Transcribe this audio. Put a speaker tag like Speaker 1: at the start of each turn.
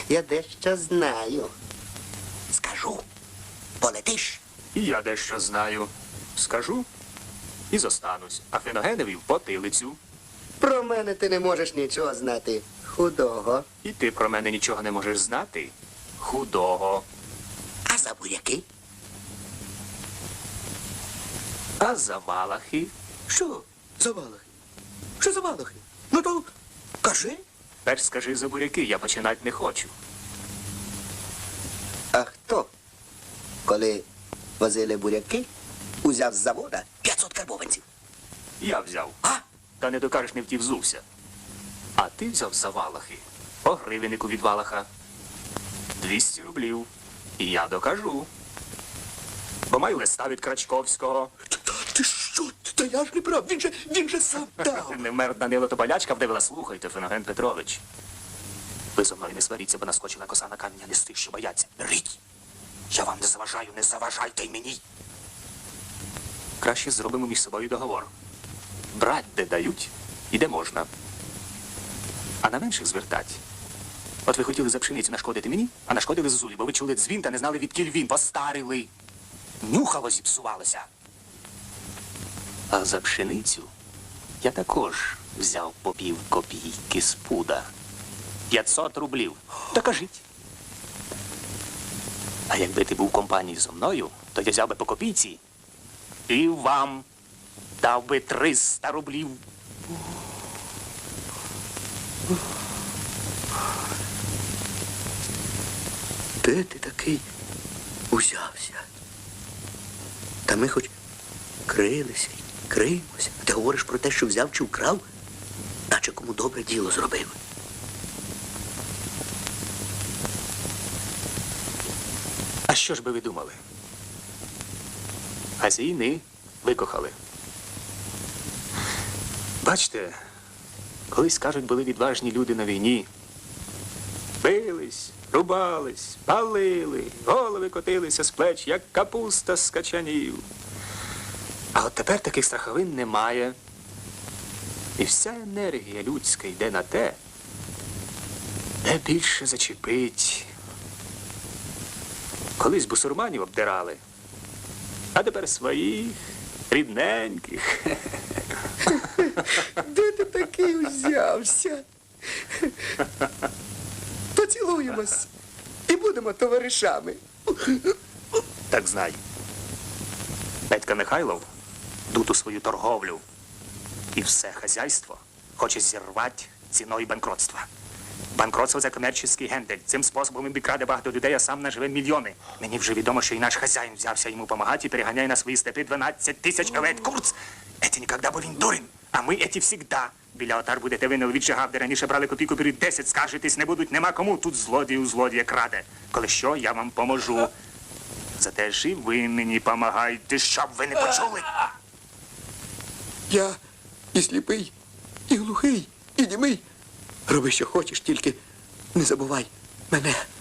Speaker 1: Я дещо знаю. Скажу. Полетиш?
Speaker 2: І я дещо знаю. Скажу і зостанусь. А Феногенові в потилицю.
Speaker 1: Про мене ти не можеш нічого знати. Худого.
Speaker 2: І ти про мене нічого не можеш знати. Худого.
Speaker 1: А за буряки?
Speaker 2: А за валахи?
Speaker 1: Що за валахи? Що за валахи? Ну то кажи.
Speaker 2: Перш скажи за буряки, я починати не хочу.
Speaker 1: А хто, коли возили буряки, узяв з завода 500 карбованців?
Speaker 2: Я взяв.
Speaker 1: А?
Speaker 2: Та не докажеш, не втівзувся. А ти взяв за валахи. По гривеннику від валаха. 200 рублів. І я докажу. Бо маю листа від Крачковського.
Speaker 1: Ти що? Та я ж не прав. Він же сам дав.
Speaker 2: Не вмер Данило, то болячка вдивила. Слухайте, Феноген Петрович. Ви зо мною не сваріться, бо наскочила коса на камінь, а не з тих, що бояться. Рить! Я вам не заважаю, не заважайте й мені. Краще зробимо між собою договор. Брать де дають і де можна. А на менших звертать. От ви хотіли за пшеницю нашкодити мені, а нашкодили Зозулі, бо ви чули дзвін та не знали, відкіль він. Постарили. Нюхало зіпсувалося. А за пшеницю я також взяв по пів копійки з пуда. 500 рублів. Та кажіть. А якби ти був в компанії зо мною, то я взяв би по копійці і вам дав би 300 рублів.
Speaker 1: Де ти такий узявся? Та ми хоч крилися й криємося. А ти говориш про те, що взяв чи вкрав, наче кому добре діло зробив.
Speaker 2: А що ж би ви думали? А з війни викохали. Бачите, колись, кажуть, були відважні люди на війні. Бились, рубались, палили, голови котилися з плеч, як капуста з качанів. А от тепер таких страховин немає. І вся енергія людська йде на те, де більше зачепить. Колись бусурманів обдирали, а тепер своїх, рідненьких.
Speaker 1: Де ти такий узявся? Поцілуємось і будемо товаришами.
Speaker 2: Так знай. Петька Михайлов дуту свою торговлю і все хазяйство хоче зірвати ціною банкротства. Банкротство – це комерційний гендель. Цим способом він краде багато людей, а сам наживе мільйони. Мені вже відомо, що і наш хазяїн взявся йому допомагати і переганяє на свої степи 12 тисяч овець. Курц! Еті ніколи, бо він дурень. А ми еті всігда. Біля отар будете ви не віджигав, де раніше брали копійку, беруть 10, скаржитись не будуть, нема кому. Тут злодій у злодія краде. Коли що, я вам поможу. Зате ж і ви мені помагайте, щоб ви не почули.
Speaker 1: Я і сліпий, і глухий, і німий. Роби, що хочеш, тільки не забувай мене.